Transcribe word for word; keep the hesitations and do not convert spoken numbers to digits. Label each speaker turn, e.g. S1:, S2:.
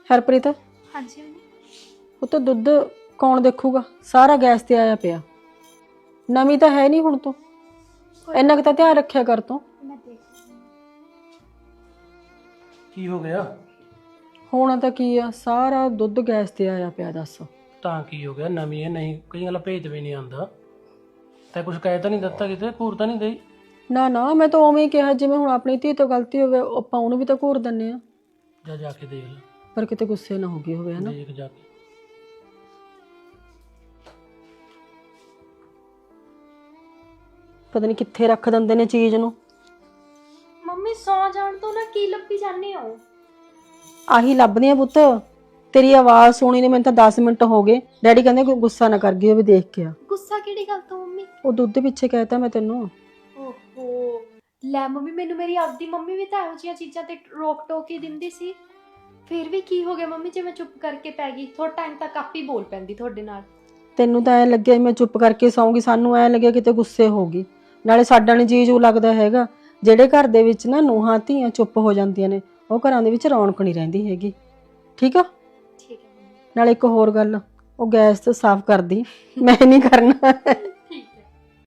S1: हरप्रीत
S2: हाँ जी
S1: वो तो दुध कौन देखूगा, सारा गैस ते आया पिया। नवी तो है नहीं हुण तो इन्ना क तां ध्यान रखिया कर तूं।
S2: मैं देख
S3: की हो गया?
S1: होना तो की आ, सारा दुध गैस ते आया पिया। दस
S3: ਤਾਂ ਕੀ ਹੋ ਗਿਆ? ਨਵੀਂ ਹੈ ਨਹੀਂ, ਕਈ ਗੱਲਾਂ ਭੇਜ ਵੀ ਨਹੀਂ ਆਉਂਦਾ। ਤੈਂ ਕੁਝ ਕਹਿ ਤਾਂ ਨਹੀਂ ਦਿੱਤਾ, ਕਿਤੇ ਘੂਰ ਤਾਂ ਨਹੀਂ ਦੇਈ?
S1: ना ना मैं तो उवें ही कहा जिवें हुण अपनी धी तो गलती होवे आपां उहनूं भी तो घूर दिंदे आ,
S3: ਜਾ ਜਾ ਕੇ देख ਲੈ,
S1: पर किते गुस्से ना हो गई होवे है ना।
S3: देख जा के।
S1: पता नहीं कित्थे रख दिंदे ने चीज़ नूं।
S2: मम्मी सौ जान तो ना की लब्बी जाने हो।
S1: आही लभदी आ पुत्त, तेरी आवाज़ सुनी ने मैनूं तां दस मिनट हो गए। डैडी कहंदे कोई गुस्सा ना कर गई होवे, देख के आ।
S2: गुस्सा किहड़ी गल तो मम्मी?
S1: ਉਹ ਦੁੱਧ ਪਿੱਛੇ ਕਹਿਤਾ ਮੈਂ ਤੈਨੂੰ।
S2: ਓਹੋ ਲੈ ਮੰਮੀ, ਮੈਨੂੰ ਮੇਰੀ ਆਪਦੀ ਮੰਮੀ ਵੀ ਤਾਂ ਇਹੋ ਜਿਹੀਆਂ ਚੀਜ਼ਾਂ ਤੇ ਰੋਕ ਟੋਕ ਹੀ ਦਿੰਦੀ ਸੀ। ਫਿਰ ਵੀ ਕੀ ਹੋ ਗਿਆ ਮੰਮੀ ਜੇ ਮੈਂ ਚੁੱਪ ਕਰਕੇ ਪੈ ਗਈ? ਥੋੜਾ ਟਾਈਮ ਤੱਕ ਆਪ ਹੀ ਬੋਲ ਪੈਂਦੀ ਤੁਹਾਡੇ ਨਾਲ।
S1: ਤੈਨੂੰ ਤਾਂ ਐ ਲੱਗਿਆ ਮੈਂ ਚੁੱਪ ਕਰਕੇ ਸੌਂਗੀ, ਸਾਨੂੰ ਐ ਲੱਗਿਆ ਕਿਤੇ ਗੁੱਸੇ ਹੋ ਗਈ। ਨਾਲੇ ਸਾਡਾ ਨੀ ਜੀਜੂ ਲੱਗਦਾ ਹੈਗਾ। ਜਿਹੜੇ ਘਰ ਦੇ ਵਿੱਚ ਨਾ ਨੂੰਹਾਂ ਧੀਆਂ ਚੁੱਪ ਹੋ ਜਾਂਦੀਆਂ ਨੇ, ਉਹ ਘਰਾਂ ਦੇ ਵਿੱਚ ਰੌਣਕ ਨਹੀਂ ਰਹਿੰਦੀ ਹੈਗੀ। ਠੀਕ ਆ?
S2: ਠੀਕ ਹੈ ਮੰਮੀ।
S1: ਨਾਲੇ ਇੱਕ ਹੋਰ ਗੱਲ, ਉਹ ਗੈਸ ਤੇ ਸਾਫ਼ ਕਰਦੀ, ਮੈਂ ਨਹੀਂ ਕਰਨਾ।